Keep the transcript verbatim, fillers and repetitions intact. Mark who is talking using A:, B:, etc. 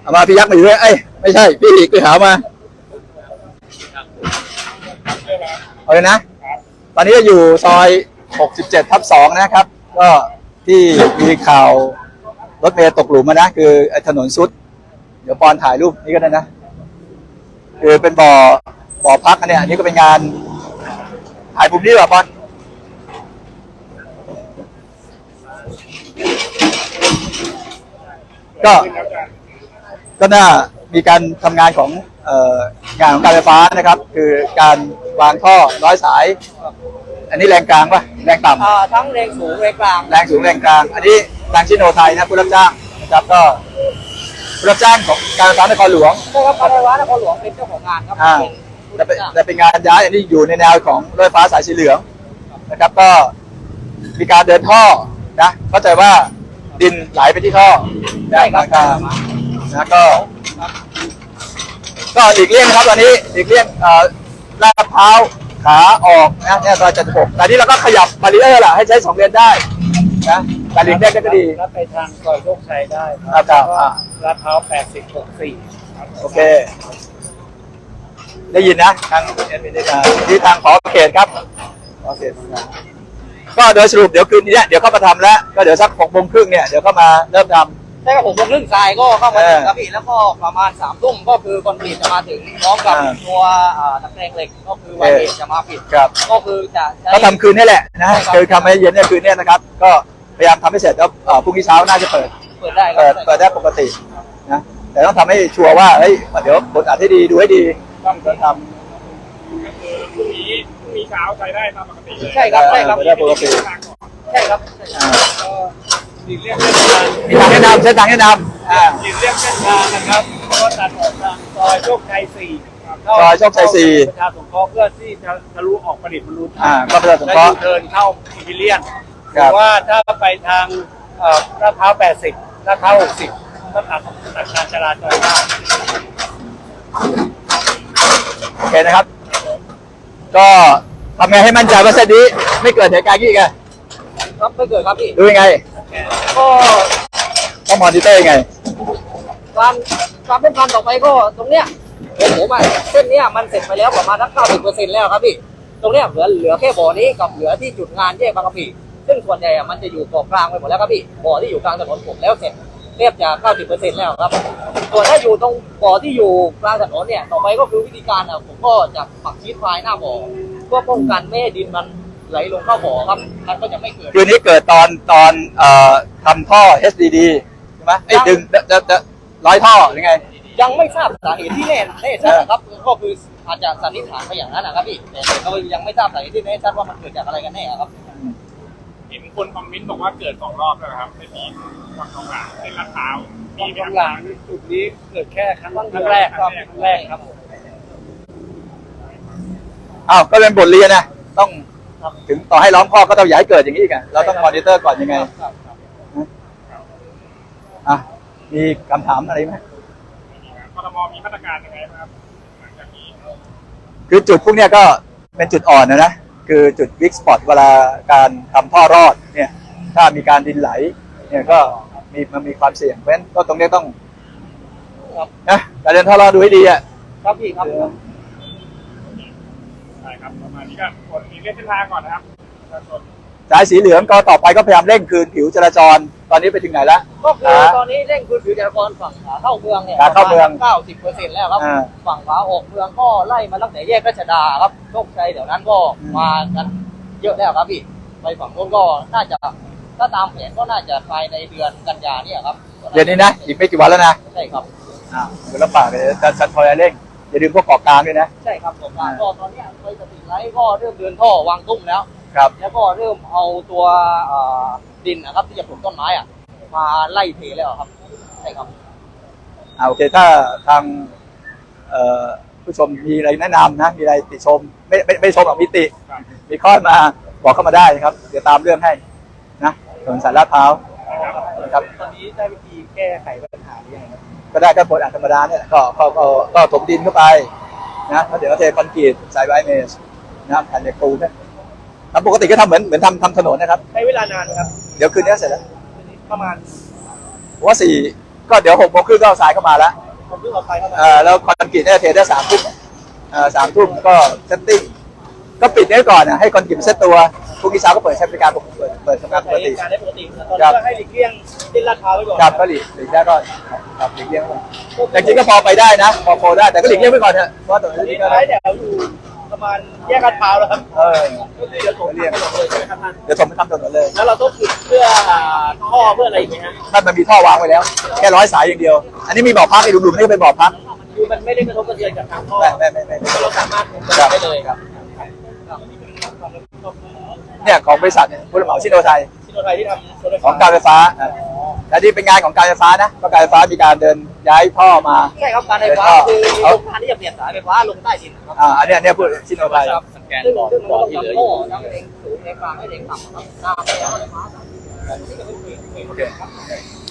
A: เอามาพี่ยักษ์มาอยู่ด้วยเอ้ยไม่ใช่พี่อีกไปหามาเอาเลยนะตอนนี้อยู่ซอยหกสิบเจ็ดทับสองนะครับก็ที่มีข่าวรถเมล์ตกหลุมมานะคือถนนซุดเดี๋ยวปอนถ่ายรูปนี้ก็ได้นะคือเป็นบ่อบ่อพักอันนี้อันนี้ก็เป็นงานถ่ายมุมนี้ป่ะปอนก็ก็น่ามีการทำงานของเอ่องานของการไฟฟ้านะครับคือการวางท่อร้อยสายอันนี้แรงกลางป่ะแรงต่ำ
B: ทั้งแรงสูงแรงกลาง
A: แรงสูงแรงกลางอันนี้ทางชิโนไทยนะผู้รับจ้างนะครับก็ผู้รับจ้างของการไฟฟ้านครหลวง
B: ใช่ครับการไฟฟ้านครหลวงเป็นเจ้าของงานครับ
A: แต่เป็นแต่เป็นงานย้ายอันนี้อยู่ในแนวของรถไฟฟ้าสายสีเหลืองนะครับก็มีการเดินท่อนะเข้าใจว่าดินไหลไปที่ท่อ
B: ได้ครับ
A: นะก็ก็อีกเลี่ยงนะครับตอนนี้อีกเลี่ยงลาดพร้าวขาออกนะเนี่ยซอยเจ็ดสิบหกแต่นี้เราก็ขยับบารีเออร์ล่ะให้ใช้สองเลนได้นะการลิงก์ได้ก็ดี
B: แล้วไปทางซอยโชคชัยได้
A: ครับครับ
B: ลาดพร้าวแปดสิบหกสี่
A: โอเคได้ยินนะทางที่ทางขอเขตครับขอเขตก็โดยสรุปเดี๋ยวคืนนี้เดี๋ยวเข้ามาทำแล้วก็เดี๋ยวสักหกโมงครึ่งเนี่ยเดี๋ยวเข้ามาเริ่มทำ
B: ใช่ครับผมครึ่งทรายก็เข้ามาถึงครับพี่แล้วก็ประมาณสามทุ่มก็คือคอนกรีตจะมาถึงพร้อมกับตัวตะแกรงเหล็กก็คือวันเอกจะมาปิดก็คือจะ
A: ก็ทำคืนนี้แหละนะคือทำให้เย็นเนี่ยคืนนี้นะครับก็พยายามทำให้เสร็จแล้วพรุ่งนี้เช้าน่าจะเปิด
B: เปิดได้
A: เปิดเปิดได้ปกตินะแต่ต้องทำให้ชัวร์ว่าเฮ้ยเดี๋ยวบทอัดให้ดีดูให้ดีต้องทำ
C: พรุ่งนี้พรุ่งนี้เช้าใช้ได้ตามปกติเลย
B: ใช่ครับใช่ครับ
A: ได้ปกติ
B: ใช่ครับ
C: ดีเรียกเส้นทาง
A: มีทางแนะนำเส้นทางแนะนำอ่า
C: ดีเรียกเส้นทางนะครับก็ตัดออกทางซอยโชคชัยสี่
A: ซอยโชคชัยสี่
C: ประชาสงเคราะห์เพื่อที่จะทะลุออกประดิษฐ์บรรลุ
A: อ่าก็ประชาสงเคราะห์
C: เดินเข้าอิมพีเรียนหรือว่าถ้าไปทางลาดพร้าวแปดสิบลาดพร้าวหกสิบก็ตัดตัดการจราจรได้
A: โอเคนะครับก็ทำไงให้มั่นใจว่าเส้นนี้ไม่เกิดเหตุการณ์นี้อีก
B: ครับไม่เกิดครับพี่
A: ดูยังไง
B: ก็
A: ต้องมอนิเตอร์ยังไง
B: ความความเป็นความต่อไปก็ตรงเนี้ยผมผมอ่ะเส้นเนี้ยมันเสร็จไปแล้วประมาณสักเก้าสิบเปอร์เซ็นต์แล้วครับพี่ตรงเนี้ยเหลือเหลือแค่บ่อนี้กับเหลือที่จุดงานแยกบางกะปิซึ่งส่วนใหญ่มันจะอยู่เกาะกลางไปหมดแล้วครับพี่บ่อที่อยู่กลางถนนผมแล้วเสร็จเรียบจะเก้าสิบเปอร์เซ็นต์แล้วครับส่วนถ้าอยู่ตรงบ่อที่อยู่กลางถนนเนี่ยต่อไปก็คือวิธีการอ่ะผมก็จะปักชีทไฟหน้าบ่อเพื่อป้องกันไม่ให้ดินมันไหลลงเข้าบ่อครับมันก็จะไม่เกิด
A: คืนนี้เกิดตอนตอนเอ่อทำท่อ เอส ดี ดี ใช่ไหมไอ้ดึงจะจะร้อยท่อหรือไง
B: ยังไม่ทราบสาเหตุที่แน่แน่ชัดนะครับก็คืออาจจะสันนิษฐานไปอย่างนั้นนะครับพี่แต่เรายังไม่ทราบสาเหตุที่แน่ชัดว่ามันเกิดจากอะไรกันแน่ครับ
C: เห็นคนคอมเมนต์บอกว่าเกิดสองรอบแล้วครับในปีฝั่งตรงกลางในลาดพร้าว
B: มีตรงกลางจุดนี้เกิดแค่ครั้งแรกครับครั้งแรกครับ
A: อ้าวก็เป็นบทเรียนนะต้องถึงต่อให้ล้อมข้อก็ต้องอย่าให้เกิดอย่างนี้กันเราต้องมอนิเตอร์ก่อนยังไงอ่ะมีคำถามอะไรไหม
C: กทมมีมาตรการยังไงครับหลังจากนี้
A: คือจุดพวกนี้ก็เป็นจุดอ่อนนะนะคือจุดวิกสปอตเวลาการทำท่อรอดเนี่ยถ้ามีการดินไหลเนี่ยก็มีมันมีความเสี่ยงเพราะฉะนั้นก็ตรงนี้ต้องนะการเดินท่อรอดดูให้ดีอ่ะ
B: ครับพี่ครับ
C: ใช่ครับประมาณนี้ก็คนมีเส้นทางก่อนนะครับ
A: สายสีเหลืองก็ต่อไปก็พยายามเร่งคืนผิวจราจรตอนนี้ไปถึงไหนแล้ว
B: ก็คือตอนนี้เร่งคืนผิวจราจรฝั่งขาเข้าเมืองเนี่ย
A: ขาเข้าเมือง
B: เก้าสิบเปอร์เซ็นต์แล้วครับฝั่งขาออกเมืองก็ไล่มาตั้งแต่แยกราชดาครับโชคชัยเดี๋ยวนั้นก็มากันเยอะแล้วครับพี่ไปฝั่งโน้นก็น่าจะถ้าตามแผนก็น่าจะภายในเดือนกันยาเนี่ยครับ
A: เดือนนี้นะอีกไม่กี่วันแล้วนะ
B: ใช่ครับ
A: อ่าเดี๋ยวลำบากเลยจะชันทอยเร่งอย่าลืมพวกเกาะกลางด้วยนะ
B: ใช่ครับเกาะกลางก็ตอนนี้ไปสติไลท์ก็เริ่มเดินท่อวางตุ้มแล้ว
A: ครับ
B: แล้วก็เริ่มเอาตัวดินนะครับที่จะปลูกต้นไม้อ่ะมาไล่เทแล้วครับใช่ครับ
A: อ่าโอเคถ้าทางผู้ชมมีอะไรแนะนำนะมีอะไรติชมไม่ไม่ไม่ชมหรอกมีติมีข้อมาบอกเข้ามาได้ครับเดี๋ยวตามเรื่องให้นะถนนสายลาดพร้าว
B: ครับตอนนี้ได้วิธีแก้ไขปัญหาหรือยัง
A: ก็ได้ก็ผลอัดธรรมดาเนี่ยก็ก็ก็ถมดินเข้าไปนะแล้วเดี๋ยวก็เทคอนกรีตใส่ไวเมสนะแผ่นเหล็กปูนเนี่ยทำปกติก็ทำเหมือนเหมือนทำทำถนนนะครับ
B: ใช้เวลานานครับ
A: เดี๋ยวคืนนี้เสร็จแล้ว
B: ประมาณ
A: ผมว่าสี่ก็เดี๋ยวหกโมงครึ่งก็เอาทรายเข้ามาแล้ว
C: ผมเพิ่งเอาไปเข้ามา
A: เอ่อแล้วคอนกรีตเนี่ยเทได้สามทุ่มเอ่อสามทุ่มก็เซตติ้งก็ปิดไว้ก่อนนะให้คอนกรีตเซตตัวพรุ่งนี้เช้าก็เปิดใช้บริการปกติเปิดเปิดทำงานป
C: ใช้
A: กติ
C: การได้ปกติตอนนี้ก็ให้หลีกเลี่ยงเส้นลาดพร้าวไว้ก่อน
A: ครับก็หลีกหลีกได้ก็ครับหลีกเลี่ยงไว้แต่จริงๆก็พอไปได้นะพอพอได้แต่ก็หลีกเลี่ยงไว้ก่อนเถอะเพราะว่าตรง
C: ตอน
A: นี้
C: นี้
A: ก็
C: ท้ายแถวอยู่ประมาณแยกลาดพร้าวแล้วครับ
A: เออ
C: ก็คือเดี๋ยวผมเรียกถนนเลยใช่ไหมครับท่าน
A: เดี๋ยวผมไปทำถนนเลย
C: แล้วเราต้องปิดเพื่อท่อเพื่ออะไรอีกไหมฮะ
A: นั่นมันมีท่อวางไว้แล้ว แค่ร้อยสายอย่างเดียว อันนี้มีบ่อพักไอ้ดุมๆนี่ก็เป็นบ่อพัก
C: คือมันไม่ได้กระทบกระเทือนกับทางท่อ
A: ไม่ไม่ไม่ไม่ไม่
C: เราสามารถคุม
A: ครับ
C: ได้เลย
A: ครับเนี่ยของบริษัทเนี่ยผู้รับเหมาชิโนไทย
C: ที่โนไทยที่ทำรถไฟ
A: ข
C: ฟ้า
A: องการไฟฟ้าอ่ะและนี่เป็นงานของการไฟฟ้านะก็การไฟฟ้ามีการเดินย้ายท่อมา
B: ใช่ครับการไฟฟ้าคือโรงงานที่จะเปลี่ยนสายไฟฟ้าลงใต้ดินครับ
A: อ่าอันเนี้ยเนี่ยพูดชิโนไทย
B: สแกนก่อนก่อนที่เหลืออยู่ทั้งเองสูงเองกลางให้เองต่ำครับหน้าไปแล้วไฟฟ้า
A: โอเค